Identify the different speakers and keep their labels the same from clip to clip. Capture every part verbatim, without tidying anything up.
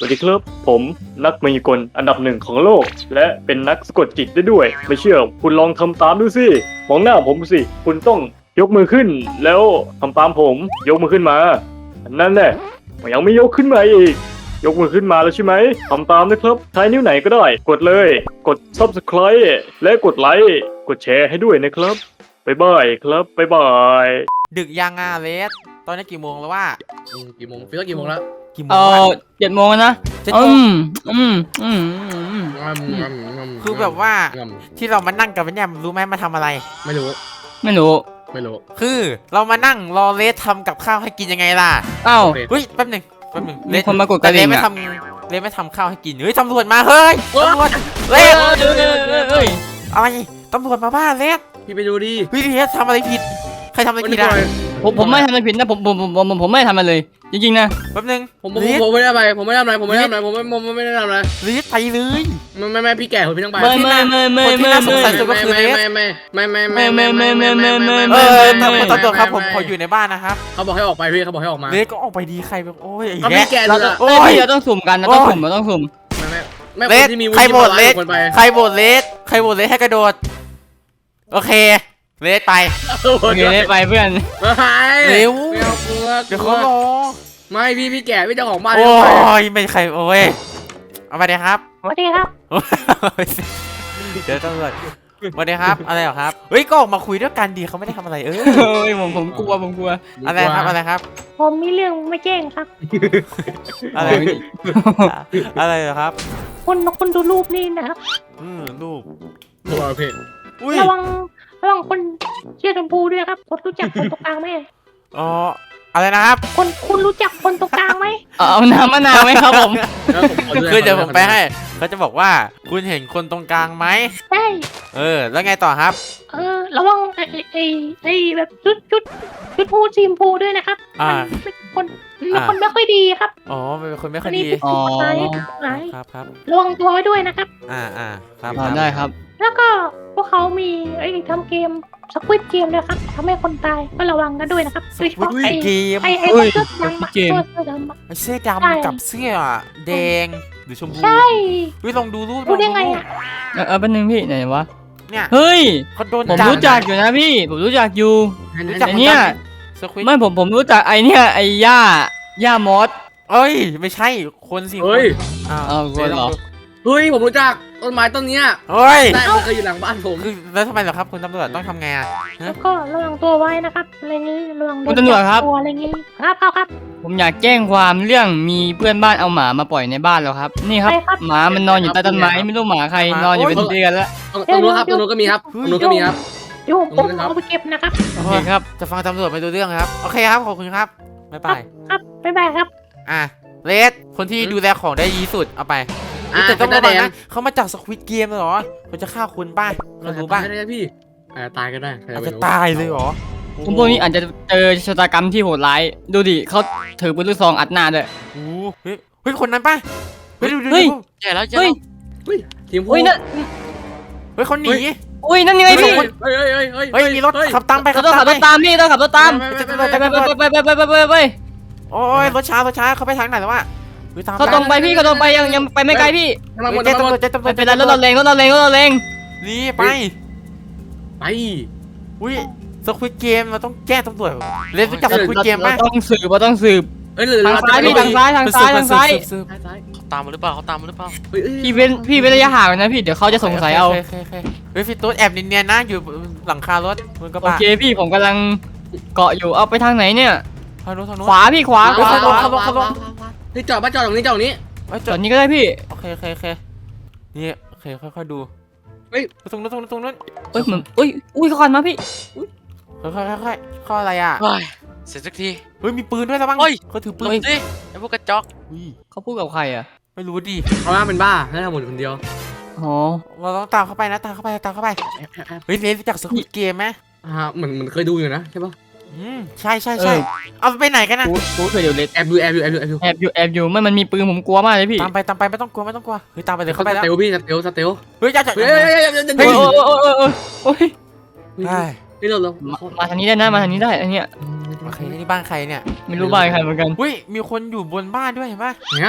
Speaker 1: สวัสดีครับผมนักมายากลอันดับหนึ่งของโลก และเป็นนักสะกดจิตได้ด้วย ไม่เชื่อคุณลองทำตามดูสิมองหน้าผมสิคุณต้องยกมือขึ้น แล้วทำตามผมยกมือขึ้นมานั่นแหละยังไม่ยกขึ้นมาอีกยกมือขึ้นมาแล้วใช่ไหมทำตามนะครับใช้นิ้วไหนก็ได้ กดเลยกด ซับสไครบ์ และกดไลค์กดแชร์ให้ด้วยนะครับบ๊ายบายครับบ๊ายบาย
Speaker 2: ดึกยังอ่ะเลสตอนนี้กี่โมงแล้วว่า
Speaker 3: อืมกี่โมงพี่ก็กี่โมงแล้ว
Speaker 2: กี่โม
Speaker 4: เอง
Speaker 2: วะ
Speaker 4: อเจ็ดโมงนะ
Speaker 2: เจ็ด
Speaker 4: อื
Speaker 2: โมง
Speaker 4: มอืมอืมอืม
Speaker 3: งำงำงำ
Speaker 2: คือแบบว่า
Speaker 3: ง
Speaker 2: ที่เรามานั่งกันเนี่ยรู้ไหมมาทำอะไร
Speaker 3: ำไม่รู้
Speaker 4: ไม่รู้
Speaker 3: ไม่รู้
Speaker 2: คือเรามานั่งรอเลสทำกับข้าวให้กินยังไงล่ะ
Speaker 4: อ้าว
Speaker 3: โอเค
Speaker 2: เฮ้ยแป๊บหนึงแป๊บหนึง
Speaker 4: มีคนมากดก
Speaker 2: แต่
Speaker 4: ระ
Speaker 2: เล
Speaker 4: ดิ่
Speaker 2: ส
Speaker 4: ง
Speaker 2: ไม่
Speaker 4: อ่ะ
Speaker 2: ทำเลสไม่ทำข้าวให้กินเฮ้ยตำรวจมาเฮ้ยตำรวจเล
Speaker 4: เอ้ย
Speaker 2: ส
Speaker 4: เอ้ยเอ้ยเอ้ยเอ้ย
Speaker 2: อะไรตำรวจมาบ้านเลส
Speaker 3: พี่ไปดูดิ
Speaker 2: เฮ้ยเลสทำอะไรผิดใครทำอะไร
Speaker 3: วัน
Speaker 2: ผิ
Speaker 3: นี้
Speaker 2: ด
Speaker 3: ก่
Speaker 2: อ่ะ
Speaker 3: อน
Speaker 4: ผมผมไม่ทำอะไรผิดนะผมผมผมผมผมไม่ทำอะไรเลย จริงๆนะ
Speaker 2: แป๊บหนึง
Speaker 3: ผมผม
Speaker 2: เลส
Speaker 3: ผมไม่ได้ทำอะไรผมไม่ได้ทำอะไรผมไม่ได้ทำอะไรผมไม่ผมไม่ได้ทำอะไร
Speaker 2: เลสไปเลย
Speaker 3: ไม่ไม่ไม่พี่แก่ผมพี่ต้องไป
Speaker 4: ไม่ไม่ไม่ไม่
Speaker 2: คนที่
Speaker 4: ไม่
Speaker 2: น่าสง
Speaker 4: ไม่
Speaker 2: สัยสุดก็คือเลส
Speaker 3: ไม่ไม่ไม่ไม่ไม่ไม่
Speaker 4: ไม่ไม่ไม่ไม่ไม่
Speaker 2: เอ
Speaker 4: ไม่
Speaker 2: อตำรวจครับผมขออยู่ในบ้านนะครับ
Speaker 3: เขาบอกให้ออกไปพี่เขาบอกให้ออกมา
Speaker 2: เลสก็ออกไปดีใครแบบโอ้ยไอ้
Speaker 3: เขา
Speaker 2: แก
Speaker 3: พี่แก่
Speaker 4: เรา
Speaker 3: เลย
Speaker 4: ต้อง
Speaker 3: อะ
Speaker 4: เอ้ยพี่เราต้องสุ่มกันเราต้องสุ่มเราต้องสุ่ม
Speaker 3: ไม่ไม่ไม่
Speaker 2: เล
Speaker 3: ค
Speaker 2: ส
Speaker 3: นที่มีวุ
Speaker 2: ใคร
Speaker 3: ฒิ
Speaker 2: โหวตเลส
Speaker 3: คนไป
Speaker 2: ใครโหวตเลสใครโหวตเลสให้กระโดดโอเคเลสไป
Speaker 3: โอ
Speaker 4: โอเคได้ไปเพื่อน
Speaker 3: ไม่
Speaker 2: เร็ว
Speaker 3: ไม่เอากลัว
Speaker 2: เดี๋ยวเขารอ
Speaker 3: ไม่พี่พี่แก่พี่เจ้าของบ้าน
Speaker 2: โอ้
Speaker 3: พี่ต้องไป
Speaker 2: ยไม่ใครโอ้ยเอามาเดี๋ยวครับ
Speaker 5: สวัสดีครับ
Speaker 2: เดี๋ยวตำรวจมาเดี๋ยวครับอะไรเหรอครับเฮ้ยก็ออกมาคุยด้วยกันดีเขาไม่ได้ทำอะไรเออ
Speaker 4: เฮ้ยผมผมกลัวผมกลัว
Speaker 2: อะไรครับอะไรครับ
Speaker 5: ผมมีเรื่องมาแจ้งครับ
Speaker 2: อะไรอะไรเหรอครับ
Speaker 5: คุณคุณดูรูปนี่นะครับ
Speaker 2: อืมลูก
Speaker 3: กลัวพี่
Speaker 2: อุ้ย
Speaker 5: ระวังระวังคนเชื่อชมพูด้วยครับคุณรู้จักคนตรงกลางไหม
Speaker 2: อ๋ออะไรนะครับ
Speaker 5: คนคุณรู้จักคนตรงกลางไหม
Speaker 4: เอาเอาน้ำมะนาวไหมครับผม
Speaker 3: แล้วผมขอ
Speaker 2: คือเดี๋ยวผมไปให้เขาจะบอกว่าคุณเห็นคนตรงกลางไหม
Speaker 5: ใช่
Speaker 2: เออแล้วไงต่อครับ
Speaker 5: เออระวังไอ้ไอ้ไอ้แบบชุดชุดชุดพูสีชมพูด้วยนะครับ
Speaker 2: อ่า
Speaker 5: มันเป็นคนมันคนไม่ค่อยดีครับ
Speaker 2: อ๋อเป็นคนไม่ค่
Speaker 5: อั
Speaker 2: อน ย
Speaker 5: นี้
Speaker 2: ดี
Speaker 5: เป็นกฎหมายกฎหมาย
Speaker 2: ครับครับ
Speaker 5: ระวังตัวไว้ด้วยนะครับ
Speaker 2: อ่าอ่าครับ
Speaker 4: อ่าได้ครับ
Speaker 5: แล้วก็พวกเขามีไอ้ทำเกมสควิตเกมนะครับทำให้คนตายก็ระวังกันด้วยนะครับโดยเฉพาะไอ้
Speaker 2: เกม
Speaker 5: ไอ้ไอ้
Speaker 4: เฮ้ย
Speaker 5: เสื้อดำอะ
Speaker 4: เกม
Speaker 5: เสื้อดำอะ
Speaker 2: เสื้อ
Speaker 5: ใช่
Speaker 2: ดำกับเสื้อแดงหรือชมพู
Speaker 5: ใช่
Speaker 2: เฮ้ยลองดูรูป
Speaker 5: รู้ได้ไง
Speaker 2: ล
Speaker 5: อ่ะ
Speaker 4: เออเออแป๊บนึงพี่ไหนวะ
Speaker 2: เนี่ย
Speaker 4: เฮ้ย
Speaker 2: เขาโดน
Speaker 4: ผม
Speaker 2: จับ
Speaker 4: รู้จักอยู่นะพี่ ผมรู้จักอยู่
Speaker 2: รู้จัก
Speaker 4: ไอ้เนี่ย
Speaker 2: สควิต
Speaker 4: ไม่ผมผมรู้จักไอเนี่ยไอย่าย่ามอส
Speaker 2: เอ้ยไม่ใช่คนสิ
Speaker 3: เฮ้ย
Speaker 2: อ้าว
Speaker 4: อ้าวคนเหรอ
Speaker 3: เฮ้ยผมรู้จักต้นไม้ต้นเนี้ย
Speaker 2: เฮ้ย
Speaker 3: ได้มันเคยอยู่หลังบ้านผม
Speaker 2: คือแล้วทำไมเหรอครับคุณตำรวจต้องทำไงอ่ะ
Speaker 5: แล้วก็ระวังตัวไว้นะครับอะไรงี้ระวังโด
Speaker 4: คุณ
Speaker 5: น
Speaker 4: ตำรวจครับ
Speaker 5: จัตัวอะไรงี้ครับครับครับ
Speaker 4: ผมอยากแจ้งความเรื่องมีเพื่อนบ้านเอาหมามาปล่อยในบ้านแล้วครับ นี่ครับ
Speaker 5: ใครครับ
Speaker 4: หมามันนอนอยู่ใต้ต้นไม้ไม่รู้หมาใครนอนอยู่เป็นเดือนแล้ว
Speaker 3: ตรงตรงนู้นครับตรงนู้นก็มีครับตรงนู้นก็มีครับ
Speaker 5: เดี๋ยวผม
Speaker 3: ขอบคุณครับ
Speaker 5: เอาไปเก็บนะครับ
Speaker 4: โอเคครับ
Speaker 2: จะฟังตำรวจไปดูเรื่องครับโอเคครับขอบคุณครับบ๊ายบาย
Speaker 5: ครับบ๊ายบายครับ
Speaker 2: อ่ะเลสคนที่ดูแลของได้ดีสุดเอาไป
Speaker 3: อ่า
Speaker 2: แต่ต้อง
Speaker 3: เป็น
Speaker 2: ระ
Speaker 3: ห
Speaker 2: วั
Speaker 3: น้าง แดง
Speaker 2: นะเขามาจากสควิตเกมเหรอเขาจะฆ่าคุณป่ะเรารู้ป่ะ
Speaker 3: ตายได้พี่อาจจะตายก็ได้ใคร
Speaker 2: อาจ
Speaker 3: ไม่
Speaker 2: จะ
Speaker 3: รู้
Speaker 2: ตายเลยเหรอ
Speaker 4: ผมพวกนี้อาจจะเจอชะตากรรมที่โหดร้าย ดูดิเขาถือปืนลูกซองอัดหน้าด้วย
Speaker 2: โอ้โหเฮ้ยเฮ้ยคนนั้นป่ะเฮ้ยดูดู
Speaker 4: เฮ้ย
Speaker 2: ดู
Speaker 6: แย่แล้วแย่
Speaker 4: เฮ้ย
Speaker 6: แล้ว
Speaker 3: ทีมพู
Speaker 4: อุ้ยนั่น
Speaker 2: เฮ้ยเขาหนี
Speaker 4: อุ้ยนั่นไงพี่
Speaker 3: เฮ้ยเฮ้ยเฮ้ยเฮ้ย
Speaker 2: เฮ้ยมีรถขับตามไป
Speaker 4: เรา
Speaker 2: ขับ
Speaker 4: ต้องขั
Speaker 2: ตามไป
Speaker 4: บรถตามพี่ต้องขับรถตาม
Speaker 3: ไปไปไปไป
Speaker 4: ไปไปไปไปไปไปไปไป
Speaker 2: โอ้ยรถช้ารถช้าเขาไปทางไหนแล้ววะฮ้ยตาม
Speaker 4: เขาตรงไปพี่เขาตรงไปยังยังไปไม่ไกลพี่
Speaker 3: มาหม
Speaker 2: เฮ้
Speaker 3: ด
Speaker 2: ยเจ๊
Speaker 3: มาหม
Speaker 2: ตำรว
Speaker 3: ด
Speaker 2: จเจ๊ตำรว
Speaker 4: ไม่
Speaker 2: จ
Speaker 4: เป็นไรรถเราเร่งรถเราเร่งรถเราเร่ง
Speaker 2: นี่ไป
Speaker 3: ไป
Speaker 2: อุ้ยสควิตเกมเราต้องแจ้งตำรวจเล่นรู้จักสควิตเกมป่ะ
Speaker 4: เราต้องสืบเราต้องสืบ
Speaker 3: เฮ้ยหรือ
Speaker 4: ทางซ้ายพี่ทางซ้ายทางซ้ายทางซ้าย
Speaker 2: สืบ
Speaker 3: ซ้าย
Speaker 6: เขาตามมาหรือเปล่าเขาตามมาหรือเปล่า
Speaker 3: เฮ้ย
Speaker 4: พี่เว้นพี่เว้นระยะห่างนะพี่เดี๋ยวเขาจะสงสัยเอา
Speaker 2: โคโคโคเฮ้ยฟิตตูดแอบเนียนๆนะอยู่หลังคารถมันก็
Speaker 4: โอ
Speaker 2: บ้า
Speaker 4: เคพี่ผมกำลังเกาะอยู่เอาไปทางไหนเนี่ย
Speaker 2: ทางโน้นทางโน้น
Speaker 4: ขวาพี่ขวาขวา
Speaker 2: เฮ้ย
Speaker 4: ขวา
Speaker 2: เขาลงเขาลง
Speaker 3: นี่จอดบ้านจอดตรงนี้จอดตรงนี้
Speaker 2: เฮ้ยจ
Speaker 4: จ
Speaker 2: อ
Speaker 4: อ
Speaker 2: ด
Speaker 4: ดนี้ก็ได้พี่
Speaker 2: โอเคโอเคโอเคนี่โอเคค่อยๆดู
Speaker 3: เฮ้ย
Speaker 2: ตรงนู้นตรงนู้นตรงนู้น
Speaker 4: เอ้ยเหมือนอุ้ยอุ้ยเขาก่อนมาพี่
Speaker 2: ค่อยๆค่อยๆข้ออะไรอ่ะ
Speaker 6: เฮ้ยเสร็จสักที
Speaker 2: เฮ้ยมีปืนด้วยแล้วบ้าง
Speaker 6: เฮ้ย
Speaker 2: เขาถือปื
Speaker 6: หล
Speaker 2: น
Speaker 6: บสิไอ้พวกกระจอก
Speaker 2: อุ้ย
Speaker 4: เขาพูดกับใครอ่ะ
Speaker 2: ไม่รู้ดิ
Speaker 3: เขาว่าเป็นบ้าให้ทำหมดคนเดียว
Speaker 4: อ๋อ
Speaker 2: เราต้องตามเข้าไปนะตามเข้าไปตามเข้าไปเฮ้ยเล่นรู้จักสควิตเกมไหม
Speaker 3: อ่าเหมือนเหมือนเคยดูอยู่นะใช่ปะ
Speaker 2: อืมใช่ใช่ใช่เอาไปไหนกันนะ
Speaker 4: กูกูเคยอยู่เลส
Speaker 3: แอบดูแอบดูแอบดูแอบดู
Speaker 4: แอบอยู่แอบอยู่ไม่มันมีปืนผมกลัวมากเลยพี่
Speaker 2: ตามไปตามไปไม่ต้องกลัวไม่ต้องกลัวเฮ้ยตามไปเลย
Speaker 3: เขา
Speaker 2: เข้าไป
Speaker 3: ส
Speaker 2: แล้ว
Speaker 3: เตลพี่สเตลสเตล
Speaker 2: เฮ้ยจะจะ
Speaker 3: เฮ้ยเฮ้ยเฮ้ยเฮ้ย
Speaker 4: โอ้
Speaker 3: เฮ้ย
Speaker 4: ยโอ้ยโอ้ยโอ้ยโอ้ย
Speaker 2: เฮ้ย
Speaker 3: นี่เราเรา
Speaker 4: มามาทางนี้ได้นะมาทางนี้ได้อันเนี้ย
Speaker 2: โอเคนี่บ้านใครเนี่ย
Speaker 4: ไม่รู้บ้านใครเหมือนกัน
Speaker 2: อุ้ยมีคนอยู่บนบ้านด้วยเห็นปะ
Speaker 3: เนี่ย
Speaker 2: เ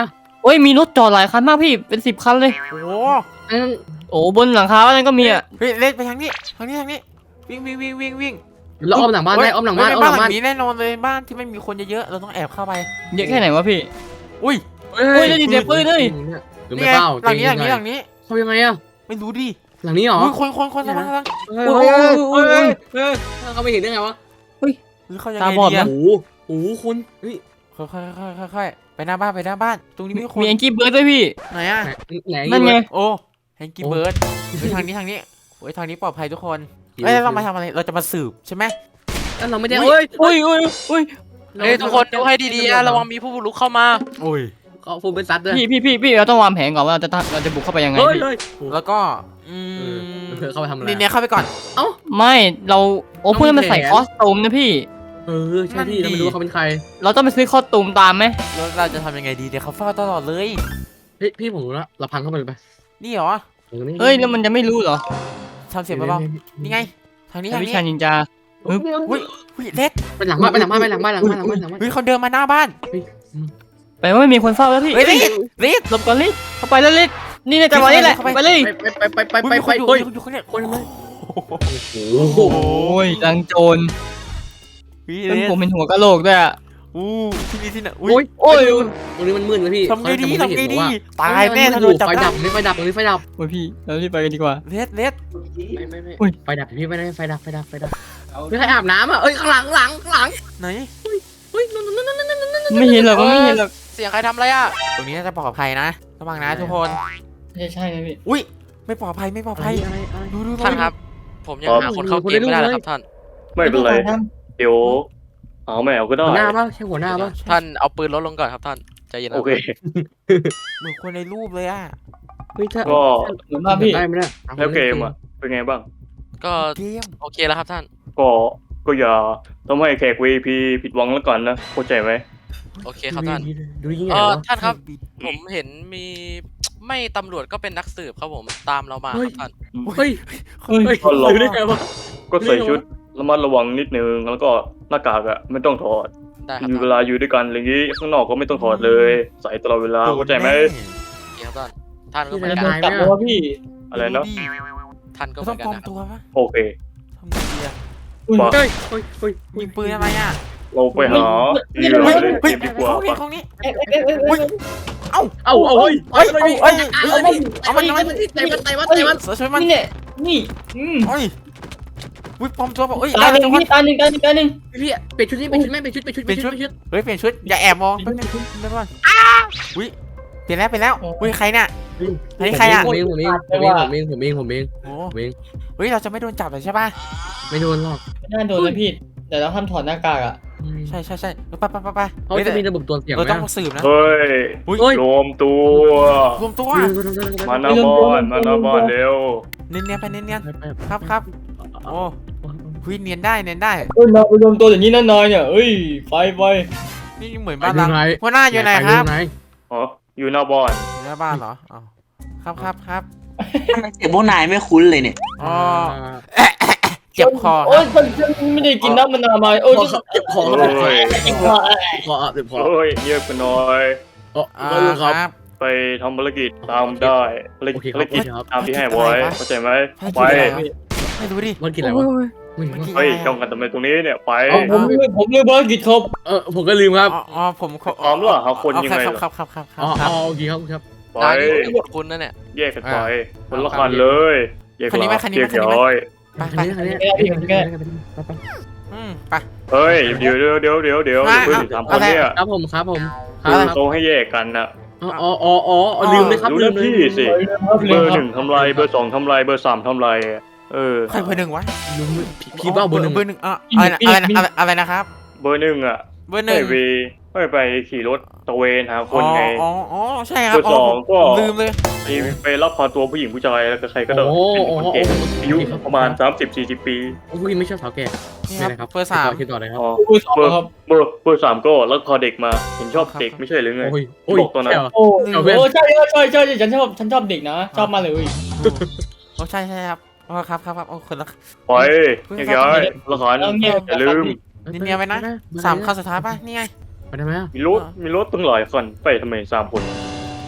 Speaker 4: โอ้ยมีรถจอดหลายคันมากพี่เป็นสิบคันเลย
Speaker 2: โอ้โห
Speaker 3: อันนั้น
Speaker 4: โอ้บนหลังคาอะไรก็มีอ่ะ
Speaker 2: เฮ้ยเล่นไปทางนี้ทางนี้ทางนี้วิ่งวิ่งวิ่งวิ่งวิ่ง
Speaker 3: เราอ้อมหลังบ้านได้อ้อมหลังบ้าน
Speaker 2: เฮ้ย
Speaker 3: อ้อมหลัง
Speaker 2: ห
Speaker 3: บ้า
Speaker 2: ลั
Speaker 3: น
Speaker 2: งนี้แน่นอนเลยบ้านที่ไม่มีคนเยอะๆเราต้องแอบเข้าไป
Speaker 4: เยอะแค่ไหนวะพี่
Speaker 2: อุ้ย
Speaker 3: เฮ้
Speaker 4: เฮ้ยได้ยินเสียงปืนเลย
Speaker 3: หรือ
Speaker 2: นี่
Speaker 3: ไม่
Speaker 2: ไง
Speaker 3: เปล่า
Speaker 2: หลังนี้หลังนี้หลังนี้
Speaker 3: เขายังไงอะ
Speaker 2: ไม่รู้ดิ
Speaker 3: หลังนี้เหรอ
Speaker 2: อุ้ยคนคนคนระวังระวัง
Speaker 3: เฮ้ยเฮ้ยเฮ้ยเฮ้ยเขาไม่เห็นได้ไงวะ
Speaker 2: หรือเขายังไง
Speaker 4: ตาบอด
Speaker 2: ดี
Speaker 4: นะ
Speaker 2: อะ
Speaker 3: โอ้โหโอ้โหคุณเฮ้ย
Speaker 2: ค่อยค่อยค่อยค่อยค่อยไปหน้าบ้านไปหน้าบ้าน ตรงนี้มีคน
Speaker 4: มีแองกี้เบิร์ดด้วยพี่
Speaker 2: ไหนอะ
Speaker 3: ไหน
Speaker 4: นั่นไง
Speaker 2: โอ้แฮงกี้เบิร์ดเฮ้ยทางนี้ทางนี้โอ้ยทางนี้ปลอดภัยทุกคนเอ้ยแล้วเรามาทำอะไรเราจะมาสืบใช่ไหม
Speaker 3: แล้วเราไม่ได้เฮ้ย
Speaker 4: อุ้ยอุ้ยอุ้ย
Speaker 6: เฮ้ยทุกคนดูให้ดีๆนะระวังมีผู้บุกรุกเข้ามา
Speaker 2: โอ้ย
Speaker 3: เขาฟูเป็นซัดด้วย
Speaker 4: พี่พี่พี่พี่เราต้องวางแผนก่อนว่าเราจะทำเราจะบุกเข้าไปยังไง
Speaker 3: เฮ้ย
Speaker 4: พี่
Speaker 3: เฮ้ย
Speaker 2: แล้วก็อื
Speaker 3: เอ
Speaker 2: ม
Speaker 3: อเธอเข้าไปทำอะไร
Speaker 2: นี่เนี่ยเข้าไปก่อน
Speaker 4: ไม่เราโอ้พวกนั้นมันใส่
Speaker 3: ต้องมีแผน
Speaker 4: คอสตูมนะพี่
Speaker 3: เออใช่พี่เราไม่รู้ว่าเขาเป็นใคร
Speaker 4: เราต้องไปซื้อคอสตูมตามไหม
Speaker 2: แล้วเราจะทำยังไงดีเดี๋ยวเขาเฝ้าตลอดเลย
Speaker 3: เฮ้ยพี่ผมรู้แล้วเราพังเข้าไปเลยไป
Speaker 2: นี่เหรอ
Speaker 4: เฮ้ยแล้วมันจะไม่รู้เหรอ
Speaker 2: ทำเสียงเบาๆนี่ไงทางนี้ทาง
Speaker 4: วิ
Speaker 2: นี้
Speaker 4: ชานินจา
Speaker 2: อุ้ยอุ้ยเล็ด
Speaker 3: ไปหลังบ้านไปหลังบ้านไปหลังบ้านหลังบ้านหลังบ้านหลังบ้าน
Speaker 2: เฮ้ยเขาเดินมาหน้าบ้าน
Speaker 4: แปลว่าไม่มีคนเฝ้าแล้วพี่
Speaker 2: เฮ้ยรีดรีด
Speaker 4: หลบก่อนลิศเข้าไปแล้วลิศนี่ในจังหวะนี้แหละ
Speaker 2: เข้าไป
Speaker 4: ไปเลย
Speaker 3: ไปไปไปไป
Speaker 2: อุ้ย
Speaker 3: ไป
Speaker 2: มี
Speaker 3: ไป
Speaker 2: คนอยู่
Speaker 3: เฮ้ย
Speaker 2: มีคนอยู่ข้างเนี่ย
Speaker 3: คนเลย
Speaker 2: โอ้โห
Speaker 3: โอ้โห
Speaker 4: โอ้ยดังโจร
Speaker 2: พี่
Speaker 4: จน
Speaker 2: เล็ด
Speaker 4: ผมเป็นหัวกะโหลกด้วยอะ
Speaker 2: อู้ที่นี่ที่ไหน
Speaker 3: โอ้
Speaker 2: อุ้
Speaker 3: ย
Speaker 2: ย
Speaker 3: โอ้ยตรงนี้มันมืดนะพี่
Speaker 2: ทำไงดี
Speaker 3: เขาจะ
Speaker 2: ทำไง
Speaker 3: ไม่เห็น
Speaker 2: ดี
Speaker 3: ว่า
Speaker 2: ตายแน่ถ้าโดนจับ
Speaker 3: ไฟ
Speaker 2: ได้
Speaker 3: ดับตรงนี้ไฟดับตรงนี้ไฟดับ
Speaker 4: โอ้ยพี่เรารีบไปกันดีกว่า
Speaker 2: เล็ดเล็ด
Speaker 3: ไม่ไม่ไม่
Speaker 4: อุ้ย
Speaker 3: ไฟดับพี่ไม่ได้ไฟดับไฟดับไฟดับไม่ใครอาบน้ำอ่ะเอ้ยข้างหลังข้างหลังข้างหลัง
Speaker 2: ไหน
Speaker 3: เฮ้ยนั่นนั่นนั่นนั่นนั่นนั่น
Speaker 4: ไม่เห็นหรอกไม่เห็นหรอก
Speaker 6: เสียงใครทำอะไรอ่ะ
Speaker 2: ตรงนี้น่าจะปลอดภัยนะระวังนะทุกคน
Speaker 4: ใช่ใช่นะพี่
Speaker 2: อุ้ยไม่ปลอดภัยไม่ปลอด
Speaker 3: อะไร
Speaker 2: ภัย
Speaker 3: อะไรอะไร
Speaker 2: ดูดูดู
Speaker 6: ท่านครับ ผมยังหาคนเข้าเกมไม่ได้เลยครับท่าน
Speaker 1: ไม่เป็นไร เดี๋ยวเอาไม่เอาก็ได้
Speaker 3: หัวหน้าป่ะใช่หัวหน้าป่ะ
Speaker 6: ท่านเอาปืนลดลงก่อนครับท่านใจเย็นนะ
Speaker 1: โอเค
Speaker 2: เหมือนคนในรูปเลยอ่ะ
Speaker 3: เฮ้ยถ้า
Speaker 1: ก็
Speaker 4: เหมือนว่าพี่
Speaker 3: ได้ไหมเนี่ย
Speaker 1: แล้วเกมอ่ะ เป็นไงบ้าง
Speaker 6: ก็
Speaker 2: เกม
Speaker 6: โอเคแล้วครับท่าน
Speaker 1: ก็ก็อย่าทำให้แขก วี ไอ พี ผิดหวังแล้วกันนะเข้าใจไหม
Speaker 6: โอเคครับท่าน
Speaker 3: ดูยิ่งให
Speaker 6: เอ
Speaker 3: ญ่
Speaker 6: อ
Speaker 3: วะ
Speaker 6: ท่านครับ ผมเห็นมีไม่ตำรวจก็เป็นนักสืบครับผมตามเรามาครับท่าน
Speaker 3: เฮ้ย
Speaker 4: เฮ้ย
Speaker 3: เฮ้ย
Speaker 1: ก็ลอง
Speaker 3: ดูได้ไงวะ
Speaker 1: ก็ใส่ชุดระมัดระวังนิดนึงแล้วก็หน้ากากอ่ะไม่ต้องถอด
Speaker 6: ได้ครับ
Speaker 1: อยู่เว
Speaker 6: ท่าน
Speaker 1: ลาอยู่ด้วยกันอะไรอย่างงี้ข้างนอกก็ไม่ต้องถอดเลย ใส่ตลอดเวลาเข้าใจไหม
Speaker 6: โอเคครับท่านท่านก็เหมือน
Speaker 4: จะ
Speaker 6: กัน
Speaker 4: โดนจับแล้ววะพี่
Speaker 1: อะไรนะ
Speaker 6: ท่านก็
Speaker 2: เรา
Speaker 6: เหมื
Speaker 2: ต้อ
Speaker 6: อง น
Speaker 2: ป
Speaker 6: กัน
Speaker 2: ลอม
Speaker 6: นะครับ
Speaker 2: ตัวปะ
Speaker 1: โอเค
Speaker 2: ทำไงดีอะ
Speaker 1: ปะ
Speaker 3: เฮ้ยเฮ้ยเฮ้ย
Speaker 2: ยิงปืนอะไรอ่ะ
Speaker 1: เราไปหาที่เหลือเล่นเก
Speaker 2: เฮ้ย
Speaker 1: มดีกว่า
Speaker 2: เขาเนี่ย
Speaker 1: ปะ
Speaker 2: เขาเนี่ย
Speaker 3: เอาเอาเฮ้ย
Speaker 2: เฮ้ย
Speaker 3: เฮ้ย
Speaker 2: เฮ้ย
Speaker 3: เอามันเอามันเอามันเตะมันเตะมันเตะมัน
Speaker 2: เสือช่วยมัน
Speaker 4: นี่เนี่ยนี่อืม
Speaker 2: เฮ้ยวิปลอมตัวป่ะเฮ้ย
Speaker 4: ตา
Speaker 2: ได้
Speaker 4: หนึ่ง
Speaker 2: ทุกคน
Speaker 4: พี่ตาหนึ่งตาหนึ่งตาหนึ่ง
Speaker 3: พี่เปลี่ยนชุดนี่เปลี่ยนชุดไหมเปลี่ยนชุดเปลี่ยนชุดเปลี่ยนชุดเปลี่ยนชุด
Speaker 2: เฮ้ยเปลี่ยนชุดอย่าแอบมองแป๊บนึงแป๊บนึงอุ้ยเปลี่ยนแล้วเปลี่ยนแล้วอุ้ยใครเนี่ย อันนี้ใครอะ
Speaker 3: ผมเองผมเองผมเองผมเองผมเองผมเอง
Speaker 2: โอ้
Speaker 3: ผมเอง
Speaker 2: เฮ้ยเราจะไม่โดนจับเลยใช่ป่ะ
Speaker 3: ไม่โดนหรอก
Speaker 4: ไม่น่าโดนนะพี่แต่เราห้ามถอดหน้ากากอ่ะ
Speaker 2: ใช่ใช่ใช่ไปไปไปไป
Speaker 3: เขาจะมีระบบตรวจเสียง
Speaker 2: เรา
Speaker 3: ไหม
Speaker 2: ต้องสืบนะ
Speaker 1: เฮ้ย
Speaker 2: อุ้ย
Speaker 1: รวมตัว
Speaker 2: รวมตัว
Speaker 1: มาหน้าบ้านมาหน้าบ้านเร็ว
Speaker 2: เนียนเนียนไปเนียนเนียนครับครับโอ้หุ้ยเนียนได้เนียนได้
Speaker 4: เอ้ยมาไปรวมตัวอย่างนี้นานๆเนี่ยเอ้ยไฟไฟ
Speaker 2: นี่เหมือนบ้านเราหัวหน้าอยู่ไหนครับ
Speaker 1: อ๋ออยู่หน้าบ้าน
Speaker 2: อยู่หน้าบ้านเหรออ๋อครับครับครับ
Speaker 7: ทำไมเสียงพวกนายไม่คุ้นเลยเนี่ย
Speaker 2: อ๋อเจ็บคอ
Speaker 4: โอ้ยฉันไม่ได้กินน้ำมะนาวมาโอ้ย
Speaker 3: เก็บของ
Speaker 1: โอ้ย
Speaker 4: เจ็บคอ
Speaker 3: ขอเก็บของ
Speaker 1: โอ้ยเงียบกันหน่อย
Speaker 3: อ๋อ
Speaker 2: อ่า
Speaker 3: ครับ
Speaker 2: ครับ
Speaker 1: ไปทำภารกิจตามได้ภาร
Speaker 3: โอเค
Speaker 1: กิจ
Speaker 3: ครับ
Speaker 1: ภารกิจตามที่ให้ไว้เข้าใจไหมไป
Speaker 2: ให้ดูดิ
Speaker 3: วันกินอะไรวะไม่รู้
Speaker 1: เฮ้ยจ้องกันทำไมตรงนี้เนี่ยไป
Speaker 4: ผมผมลืมภารกิจครับ
Speaker 3: เออผมก็ลืมครับ
Speaker 2: อ๋ออ๋อผม
Speaker 1: พร้อมหรือเปล่าหาคนยังไง
Speaker 2: ครับครับครับครับค
Speaker 3: อ๋อ
Speaker 2: รับ
Speaker 3: โอเคครับครับ
Speaker 1: ไป
Speaker 6: นายนี่เป็นคุณนั่นเนี่ย
Speaker 1: แยกกันไปคนละคันเลยแยก
Speaker 2: คันนี้ไหม
Speaker 1: ละ
Speaker 2: คันนี้
Speaker 1: แย
Speaker 2: ไหม
Speaker 1: ก
Speaker 2: คันนี้ไหม
Speaker 1: ย้อย
Speaker 2: ไปไป
Speaker 3: อันนี้
Speaker 4: พี่ผมแก้
Speaker 2: อืมไป
Speaker 1: เฮ้ยเดี๋ยวเดี๋ยวเดี๋ยวเดี๋ยวเดี๋ยว
Speaker 2: อ่ะ
Speaker 1: เพื่อนสามคนเนี่ย
Speaker 3: ครับผมครับผมค
Speaker 1: คือ
Speaker 3: รับ
Speaker 1: เขาให้แยกกันน่ะ
Speaker 3: อ๋ออ๋ออ๋อลืมเลยครับ
Speaker 1: รู้
Speaker 3: ลื
Speaker 1: หน้าม
Speaker 3: เลย
Speaker 1: ที่สิเบอร์หนึ่งทำลายเบอร์สองทำลายเบอร์สามทำลายเออ
Speaker 2: ใครเบอร์หนึ่งวะ
Speaker 3: ลืมพี่บ้าบนหนึ่ง
Speaker 2: เบอร์หนึ่งอ่ะอะไรนะอะไรนะอะไรนะครับ
Speaker 1: เบอร์หนึ่งอ่ะ
Speaker 2: เบอร์ห
Speaker 1: ให้
Speaker 2: นึ่ง
Speaker 1: ไปให้ไปขี่รถตระเวนหาคนไง
Speaker 2: อ๋ออ๋อใช่ครับ
Speaker 1: เบอร์สองก็
Speaker 2: ลืมเลย
Speaker 1: ไปไปรับพาตัวผู้หญิงผู้ชายแล้วก็ใครก็ได้
Speaker 3: โอ้
Speaker 1: เป็น
Speaker 3: โห
Speaker 1: คนเก่งอายุประมาณ สามสิบสี่สิบ ปี
Speaker 3: โอ้ยไม่ชอบสาวแก่
Speaker 2: นี่
Speaker 3: นี่
Speaker 2: ค
Speaker 3: นะค
Speaker 2: รั
Speaker 3: รั
Speaker 2: บบ เบอร์สาม
Speaker 3: คิดต่อเลยครับ
Speaker 1: อ๋อ
Speaker 4: ผู้สอง
Speaker 1: เบอร์
Speaker 4: ครับ
Speaker 1: เบอร์เบอร์สามก็แล้วพอเด็กมาเห็นชอบเด็กไม่ใช่หรือไง
Speaker 3: โอ้ยโอ้ย
Speaker 1: บอกตัวนั้น
Speaker 4: โอ้โหใช่ใช่ใช่ใช่ฉันชอบฉันชอบเด็กนะชอบมากเลย
Speaker 2: โอ้ใช่ใช่ครับอ๋อครับครับครับโอ้คนละ
Speaker 1: ไปแยกย้ายละครอย่าลืม
Speaker 2: นี่เนียนไปนะสามคันสุดท้ายป่ะนี่ไง
Speaker 3: ไปได้ไหม
Speaker 1: มีรถมีรถตั้งหลายคันไปทำไมสามคน
Speaker 2: ไ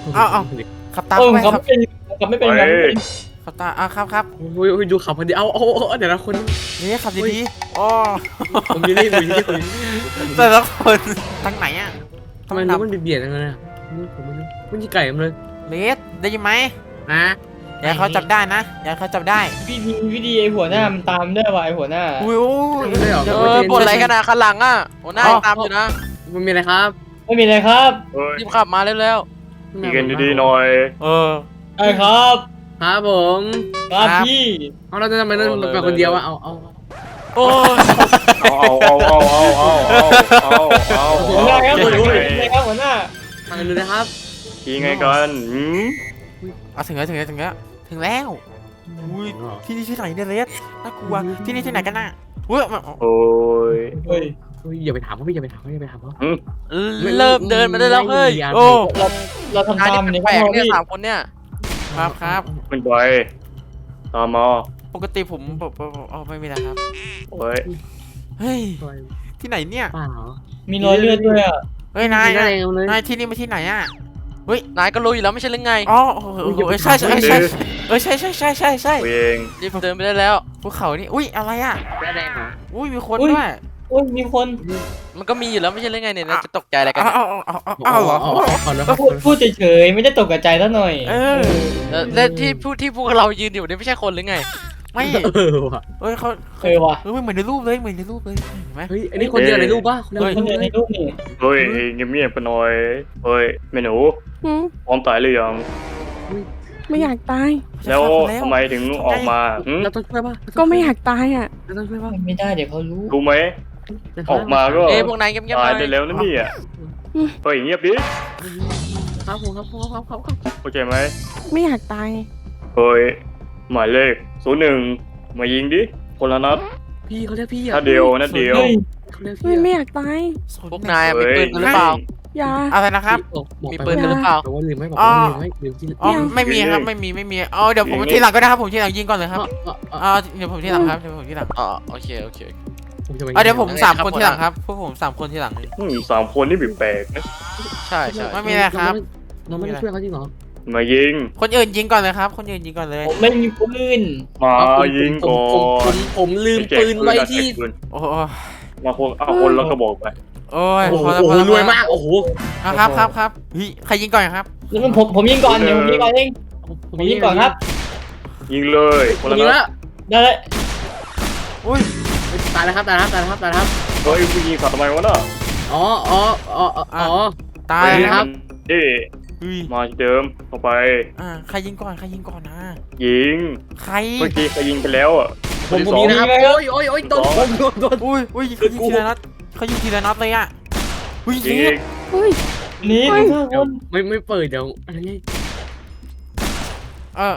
Speaker 2: เอาเอาขับตาม
Speaker 4: เออ
Speaker 2: ไป
Speaker 4: ขับ
Speaker 2: ขับ
Speaker 4: ไม่เป็นขับไม่เป็นครับ
Speaker 2: ขับตามอ่ะครับครับ
Speaker 3: โอ้ยโอ้ยดูขับพอดีเอาเอาเอาเดี๋ยวนะคน
Speaker 2: นี่ขับดีๆอ๋อ
Speaker 3: ผมอยู่นี่ผมอยู่นี่ผมอยู่นี่
Speaker 2: แต่ละคนทางไหนอ่ะ
Speaker 3: ทำไมรู้มันเบียดๆกันเลยอะผมไม่รู้มันยี่ไก่มันเลย
Speaker 2: เลสได้ยินไหม
Speaker 3: นะ
Speaker 2: อย่าให้เขาจับได้นะอย่าให้เขาจับได้
Speaker 4: พี่มีวิธีไอ้หัวหน้ามันตามได้ว่ะไอ้หัวหน้า
Speaker 2: อุ้ยอุ้ย
Speaker 3: ไม่เหรอ
Speaker 6: เออบ่นอะไรกันนะข้างหลังอ่ะหัวหน้ายังตามอยู่นะ
Speaker 3: มันมีอะไรครับ
Speaker 4: ไม่มีอะไรครับ
Speaker 1: เฮ้ย
Speaker 6: รีบขับมาเร็ว
Speaker 1: ดีกันดีๆหน่อย
Speaker 2: เออ
Speaker 4: ไอ้ครับ
Speaker 3: ครับผม
Speaker 4: ครับ
Speaker 2: ครับ
Speaker 4: พี่
Speaker 3: เอาเราจะทำไมเราไปคนเดียวอะเอาเอา
Speaker 6: ๆโอ้ย
Speaker 1: เอาเอาเอาเอาเอาเอาเอาเอา
Speaker 4: หัวหน้าครับหัวหน้า
Speaker 1: เอา
Speaker 4: อะไรครับหัวหน้า
Speaker 3: ทางกันดูนะครับ
Speaker 1: ยังไงกันหืม
Speaker 2: เอาถึงแล้วถึงแล้วถึงแล้วถึงแล้วอุ้ยที่นี่ที่ไหนเนี่ยเลสน่ากลัวที่นี่ที่ไหนกันน่ะอุ้ย
Speaker 1: โอ้ย
Speaker 4: เฮ้ย
Speaker 3: เฮ้ยอย่าไปถามเขาพี่อย่าไปถามเขาอย่าไปถามเขา
Speaker 6: เริ่มเดินมาได้แล้วเฮ้ย
Speaker 2: โอ้
Speaker 4: เราเราทำ
Speaker 6: นาย
Speaker 4: ตาม
Speaker 6: นี่
Speaker 4: ใน
Speaker 6: แปลก
Speaker 4: ห้อง
Speaker 6: ๆเนี่ย
Speaker 4: พี่
Speaker 6: สามคนเนี่ย
Speaker 2: ครับครับ
Speaker 1: ขึ้นไปตามมา
Speaker 2: ปกติผมผมผมอ๋อไม่มีแล้วครับ
Speaker 1: เฮ้ย
Speaker 2: เฮ้ยที่ไหนเนี่ย
Speaker 3: เปล่า
Speaker 4: มีรอยเลือดด้วยอ่ะ
Speaker 2: เฮ้ยนาย
Speaker 3: ไม่
Speaker 2: นาย
Speaker 3: ได้เลย
Speaker 2: นายที่นี่มาที่ไหนอ่ะ
Speaker 6: นายก็รู้อยู่แล้วไม่ใช่หรือไง
Speaker 2: อ๋อเออเออเออใช่ใช่ใช่เออใช่ใช่ใช่ใช่ใช่
Speaker 1: ตัวเอง
Speaker 6: รีบเดินไปได้แล้ว
Speaker 2: ภูเขานี่อุ้ยอะไรอ่ะ
Speaker 3: ได้แดงเหรอ
Speaker 2: อุ้ยมีคนด้วย
Speaker 4: โอ้ยมีคน
Speaker 6: มันก็มีอยู่แล้วไม่ใช่หรือไงเนี่ยนายจะตกใจอะไรกัน
Speaker 2: อ้าว
Speaker 6: เนี่ย
Speaker 2: อ้าวอ้าวอ้าวอ้าวเหรอ
Speaker 3: ขอแล้ว
Speaker 4: ก็พูดพูดเฉยๆไม่ได้ตกกระจายซะหน่อย
Speaker 2: เออ
Speaker 6: แล้วแล้วที่ผู้ที่พวกเรายืนอยู่นี่ไม่ใช่คนหรือไง
Speaker 2: ไม่
Speaker 3: เออว่ะ
Speaker 2: เฮ้ยเขา
Speaker 4: เออว่ะ
Speaker 2: เออเหมือนในรูปเลยเหมือนในรูปเลยเห็นไหม
Speaker 3: เฮ้ยอันนี้คนเดียวในรูปป่ะคนเดียว
Speaker 4: คนเดียวในรูปนี่
Speaker 1: เฮ้ยเงียบๆไปหน่อยเฮ้ยแม่หนู
Speaker 5: หืม
Speaker 1: พร้อมตายหรือยัง
Speaker 5: ไม่อยากตาย
Speaker 1: แล้วทำไมถึงออกมาหืม
Speaker 3: เราต้องช่วยป่ะ
Speaker 5: ก็ไม่อยากตายอ่ะ
Speaker 3: เราต้องช่วยป่ะ
Speaker 4: ไม่ได้เดี๋ยวเขารู้
Speaker 1: รู้ไหมออกมาก็
Speaker 6: เอ้ยพวกนายเงียบๆห
Speaker 1: ตาย
Speaker 6: น่อย
Speaker 1: ได้แล้วนะเนี่ยเฮ้ยเงียบดิ
Speaker 3: ครับผมครับผมครับครับครับ
Speaker 1: เข้าใจไหม
Speaker 5: ไม่อยากตาย
Speaker 1: เฮ้ยหมายเลขศูนย์หนึ่งมายิงดิคนละนัด
Speaker 3: พี่เขาเรียกพี่อ่ะ
Speaker 1: ถ้าเดียวนัดเดียว
Speaker 4: เฮ้ย
Speaker 3: เขาเรียก
Speaker 5: ไม่
Speaker 3: พี่
Speaker 5: ไม่
Speaker 3: อ่ะ
Speaker 5: อยากตาย
Speaker 6: พวกนายมีปืนกันหรือเปล่า
Speaker 5: อย่า
Speaker 2: อะไรนะครับ
Speaker 6: มีปืนกันหรือเปล่า
Speaker 3: บอกว่าลืมไม่บอก
Speaker 2: อ๋อ
Speaker 3: ว่าลืมไม่ลืมที่
Speaker 2: อ๋อไม่มีครับไม่มีไม่มีอ๋อเดี๋ยวผมทีหลังก็ได้ครับผมทีหลังยิงก่อนเลยครับอ๋อเดี๋ยวผมทีหลังครับเดี๋ยวผมทีหลัง
Speaker 6: อ๋อโอเคโอเค
Speaker 2: อ๋อเดี๋ยวผม
Speaker 6: ยังไง
Speaker 2: สาม
Speaker 6: ครับ
Speaker 2: คน
Speaker 6: หัว
Speaker 2: ที
Speaker 6: ห
Speaker 2: ห
Speaker 6: น้า
Speaker 2: ลังครับพวกผมสามคนทีหลัง
Speaker 1: อืมสามคนนี่แปลกๆนะ
Speaker 6: ใช่ใช่
Speaker 2: ไม่มีอะไรครับ
Speaker 3: เราไม่ได้ช่วยเขาจริงเหรอ
Speaker 1: มายิง
Speaker 2: คนอื่นยิงก่อนเลยครับ คนอื่นยิงก่อนเลย
Speaker 4: ผมไม่มีปืน
Speaker 1: มายิงก่อ
Speaker 3: ผม
Speaker 1: น
Speaker 3: ผมลืมปืนไว้ที่
Speaker 2: โอ้
Speaker 1: มาคนเอาคนแล้วก็บอกไป
Speaker 2: โอ้ย
Speaker 3: โอ้โห
Speaker 2: พอแล้วพอแล้ว
Speaker 3: รวยมากโอ้โห
Speaker 2: ครับครับครับเฮ้ยใครยิงก่อนครับ
Speaker 4: แล้วมันผมผมยิงก่อนเดี๋ยวผมยิงก่อนเองผมยิงก่อนครับ
Speaker 1: ยิงเลยคนละ
Speaker 3: ยิง
Speaker 1: นั
Speaker 3: แล้
Speaker 1: ด
Speaker 3: ว
Speaker 4: ได้เลย
Speaker 2: อุ้ย
Speaker 3: ตายแล้วครับตายแล้วครับตายแล้วครับตายแล้วครับ
Speaker 1: เฮ้ยผู้ยิงสัตว์ทำไมวะน่ะ
Speaker 3: อ๋ออ๋ออ๋ออ๋อ
Speaker 2: ตาย
Speaker 3: เฮ้ย
Speaker 2: ค
Speaker 3: ครั
Speaker 2: รับ
Speaker 3: บ
Speaker 1: เฮ้ย
Speaker 2: เฮ้ย
Speaker 1: มาที่เดิมเข้าไป
Speaker 2: อ่าใครยิงก่อนใครยิงก่อนนะ
Speaker 1: ยิง
Speaker 2: ใคร
Speaker 1: เมื่อกี้ใครยิงไปแล้วอ่ะ
Speaker 3: ผมผม
Speaker 1: ค
Speaker 3: ยิง
Speaker 1: ที่สอ
Speaker 3: นะครับโอ้ยโอ้ยโอ้ยโดนโดนโดนโดน
Speaker 2: อุ้ยอุ้ยเขายิงทีละนัดเขายิงทีละนัดเลยอ่ะอุ้ย
Speaker 1: ยิ
Speaker 2: ยิ
Speaker 1: ง
Speaker 2: ง
Speaker 5: เฮ้ย
Speaker 4: นี่
Speaker 5: เฮ้ย
Speaker 4: ทุกคน
Speaker 3: ไม่ไม่เปิดเดี๋ยวอะไรเงี้ย
Speaker 2: เออ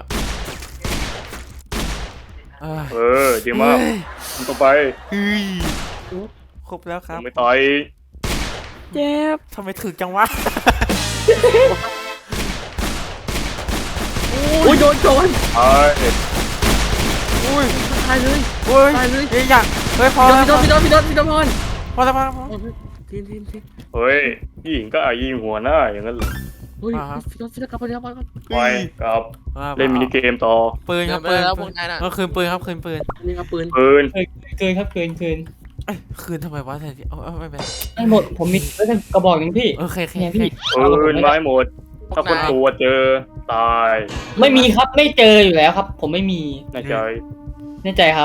Speaker 2: เออ
Speaker 1: เออดีมากทำต่อไป
Speaker 2: เฮ้ยครบแล้วครับ
Speaker 1: ไม่ตาย
Speaker 5: เจ็บ
Speaker 2: ทำไมถึกจังวะ
Speaker 3: โอ้ยโดนโดน
Speaker 1: ตาย
Speaker 2: อุ้ย
Speaker 3: ตายเลย
Speaker 2: อุ้ย
Speaker 3: ตายเลย
Speaker 2: เฮ้ยอยากเฮ้ยพอ
Speaker 3: พี่
Speaker 2: แล้ว
Speaker 3: โดนพี่โดนพี่โดนพี่โดนพร
Speaker 2: พอแล้วพอแล้วพอแล้ว
Speaker 3: ทีนทีนทีน
Speaker 1: เฮ้ยพี่หญิงก็อายิงหัวหน้าอย่างนั้นเหรอ
Speaker 3: เฮ้ยพี่โดนพี่โดนกลับมาเดี๋ยวมา
Speaker 1: ไปกับ
Speaker 2: อ่า
Speaker 1: เล่นมินิเกมต่อ
Speaker 2: ปืนค
Speaker 6: เดิ
Speaker 2: รั
Speaker 6: น
Speaker 2: บ
Speaker 6: ไป
Speaker 2: ปืน
Speaker 6: แล้วพวกนายน่ะ
Speaker 2: เออคืนปืนครับคืนปืน
Speaker 3: นี่ครับปืน
Speaker 1: ปืน
Speaker 4: เกินครับเกินเกิน
Speaker 2: เอ้ยคืนทำไมวะแต่ที่เอาเอาไม่เป็นไร
Speaker 4: ได้หมดผมมีไว้กระบอกหนึ่งพี่
Speaker 2: โอเคโอเค
Speaker 4: เนี่ย
Speaker 2: โอเค
Speaker 4: พี่
Speaker 1: ปืนไม้หมด ถ้าคนตัวเจอตาย
Speaker 4: ไม่มีครับไม่เจออยู่แล้วครับ ผมไม่มี
Speaker 1: แน่ใจ
Speaker 4: แน่ใจครับ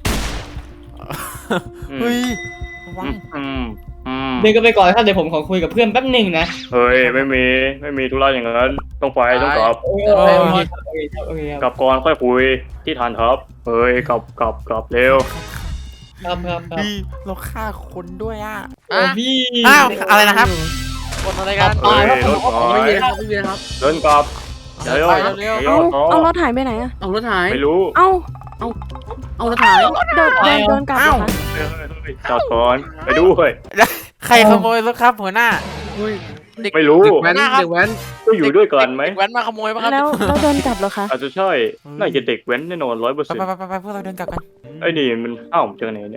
Speaker 1: อืม
Speaker 2: เฮ้ยระวัง
Speaker 1: อืมอืม
Speaker 4: เดินกันไปก่อนครับเดี๋ยวผมขอคุยกับเพื่อนแป๊บหนึ่งนะ
Speaker 1: เฮ้ยไม่มีไม่มีธุระอย่างนั้นต้องไปต้องกลับ
Speaker 4: โอเคโอเคครับโอเคครับโอเคค
Speaker 1: ก
Speaker 4: รับ
Speaker 1: ลับก่อนค่อยคุยที่ฐานทัพเฮ้ยกลับกลับกลับเร็ว
Speaker 4: ครับครับครับ
Speaker 2: พี่เราฆ่าคนด้วยอ่ะ
Speaker 4: โอ้พี่
Speaker 2: อ้าวอะไรนะครับ
Speaker 6: คนอะไรกัน
Speaker 1: เฮ้ยรถหา
Speaker 3: ไม่
Speaker 1: ย
Speaker 3: มีนะครับไม่มีนะครับ
Speaker 1: เดินกลับเดี๋ยว
Speaker 6: ไป
Speaker 1: เดี๋ยว
Speaker 6: เร็ว
Speaker 1: เดี๋ยว
Speaker 5: เอาเอารถถ่ายไปไหนอะ
Speaker 3: เอารถหาย
Speaker 1: ไม่รู้
Speaker 5: เอา
Speaker 3: เอารถหาย
Speaker 5: เดินเดินเดินกลับเหรอคะ
Speaker 1: เฮ้ยเฮ้ยเฮ้ยจอดก่อนไปด้วย
Speaker 2: ใครขโมยรถครับหัวหน้า
Speaker 3: เฮ้ย
Speaker 1: ไม่รู้
Speaker 3: เด็กแว้นเด็กแว้น
Speaker 1: ก็อยู่ด้วยกันไหม
Speaker 6: เด็กแว้นมาขโมยป่ะครับ
Speaker 5: แล้วเราเดินกลับเหรอคะ
Speaker 1: อาจจะใช่น่าจะเด็กแว้นแน่นอนร้อยเปอร์
Speaker 2: ไป
Speaker 1: เซ็นต์
Speaker 2: ไปไปไปพวกเราเดินกลับกัน
Speaker 1: ไอ้นี่มันอ้าวจากไหนเนี่ย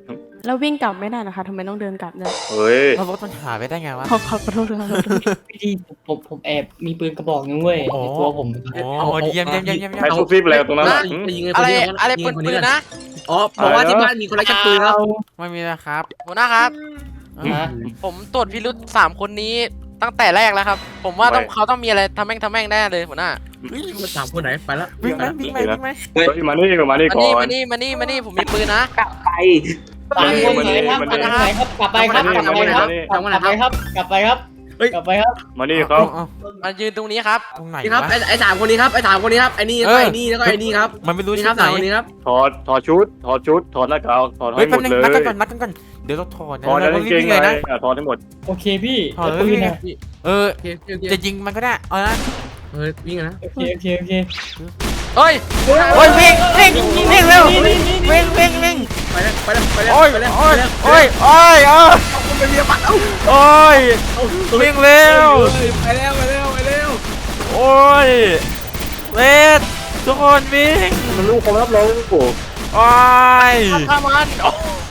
Speaker 8: แล้ววิ่งกลับไม่ได้นะคะทำไมต้องเดินกลับด้วย
Speaker 1: เฮ้ย
Speaker 2: แล้วรถมันหายไปได้ไงวะ
Speaker 8: ขอขอขอโทษครับ
Speaker 4: พี่ดีผมผมแอบมีปืนกระบอกนึงเว้ย
Speaker 2: โอ้
Speaker 4: ในตัวผม
Speaker 2: โอ้เยี่ยมเยี่ยมเยี่ยมเยี่ยม
Speaker 1: ใครซุบซิบอะไรตรงนั้น
Speaker 3: นะ
Speaker 1: ล่ะหืม
Speaker 3: ยิง
Speaker 6: อะไร
Speaker 3: คน
Speaker 6: อะไร
Speaker 3: ยิง
Speaker 6: ปืน
Speaker 3: ค
Speaker 6: ปืน
Speaker 3: ก่อ
Speaker 6: นะ
Speaker 3: อ๋อบอกว่าที่บ้านมีคนไร้ชักปืนครับ
Speaker 2: ไม่มีนะครับ
Speaker 6: หัวหน้าครับ
Speaker 4: ฮะ
Speaker 6: ผมตรวจพิรุษสามคนนี้ตั้งแต่แรกแล้วครับ ผมว่าต้อง
Speaker 1: ไม่
Speaker 6: เขาต้องมีอะไรทำแม่งทำแม่งแน่เลยหัวหน้า
Speaker 3: มันสามคนไหนไปแล้ว
Speaker 2: วิ่งไหมวิ่งไหมวิ่งไหม
Speaker 1: เฮ้ยมานี่มานี่
Speaker 6: มา
Speaker 1: ก่อ
Speaker 6: นี่
Speaker 1: น
Speaker 6: มานี่มานี่มานี่ผมมีปืนนะ
Speaker 7: กลับไป
Speaker 4: สามคน
Speaker 1: มา
Speaker 4: ไหน
Speaker 1: นี่
Speaker 4: ครับ
Speaker 1: มา
Speaker 4: คน
Speaker 1: นี่
Speaker 4: ไหนครับกลับไปครับกลับไปครับ
Speaker 3: ทำวันไหน
Speaker 4: กลับ
Speaker 3: ค
Speaker 4: ไป
Speaker 3: รับ
Speaker 4: ครับ กลับไปครับ
Speaker 3: เฮ้ย
Speaker 4: กลับไปครับ
Speaker 1: มานี่ครับ
Speaker 2: เอา
Speaker 6: มายืนตรงนี้ครับ
Speaker 2: ตรงไหน
Speaker 3: นี่ครับ
Speaker 2: วะ
Speaker 3: ไอ้ไอ้สามคนนี้ครับไอ้สามคนนี้ครับไอ้นี่แล้วก็ไอ้นี่แล้วก็ไอ้นี่ครับ
Speaker 2: มันไม่รู้
Speaker 3: นี่
Speaker 2: ชุ
Speaker 3: ครั
Speaker 2: ด
Speaker 3: บ
Speaker 2: ไหน
Speaker 3: สามคนนี้ครับ
Speaker 1: ถอดถอดชุดถอดชุดถอดหน้ากากถอด
Speaker 2: เฮ้
Speaker 1: ให้
Speaker 2: ย
Speaker 1: หม
Speaker 2: แป๊บ
Speaker 1: ด
Speaker 2: นึง
Speaker 1: เลย
Speaker 2: นัดกันก่อนนัดกันก่อนเดี๋ยวเราถอดนะ
Speaker 1: ถอดแล้ว
Speaker 2: เรา
Speaker 1: กางเก
Speaker 2: วิ่
Speaker 1: ง
Speaker 2: ง
Speaker 1: ใน
Speaker 2: เลยนะ
Speaker 1: อ่ะถอดให้หมด
Speaker 4: โอเคพี่
Speaker 2: ถอด
Speaker 4: แล้ว
Speaker 2: แล้ว
Speaker 4: ปืน
Speaker 2: วิ่ง
Speaker 4: อะ
Speaker 2: เออ
Speaker 3: โอเคโอเคโอเค
Speaker 2: จะยิงมันก็ได้เอานะ
Speaker 3: เฮ้ยวิ่งกันนะ
Speaker 4: โอเคโอเคโอเค
Speaker 6: เฮ้ย
Speaker 2: โอ้ยวิ่งวิ่งวิ่งเร็ววิ่งวิ่งวิ่ง
Speaker 3: ไปแล้วไปแล้วไปแล้ว
Speaker 2: โอ้ย
Speaker 3: ไปแล้ว
Speaker 2: โอ้ย
Speaker 3: ไปแล้ว
Speaker 2: โอ้ยโอ้ยโอ้ย
Speaker 3: ไปเรียบัตรเอ้า
Speaker 2: โอ้ยวิ่งเร็ว
Speaker 3: ไปแล้วไปแล้วไปแล้ว
Speaker 2: โอ้ยเลดทุกคนวิ่ง
Speaker 1: มันลูกความลับเราโอ้
Speaker 2: โอ้ย
Speaker 6: ฆ่ามันโอ้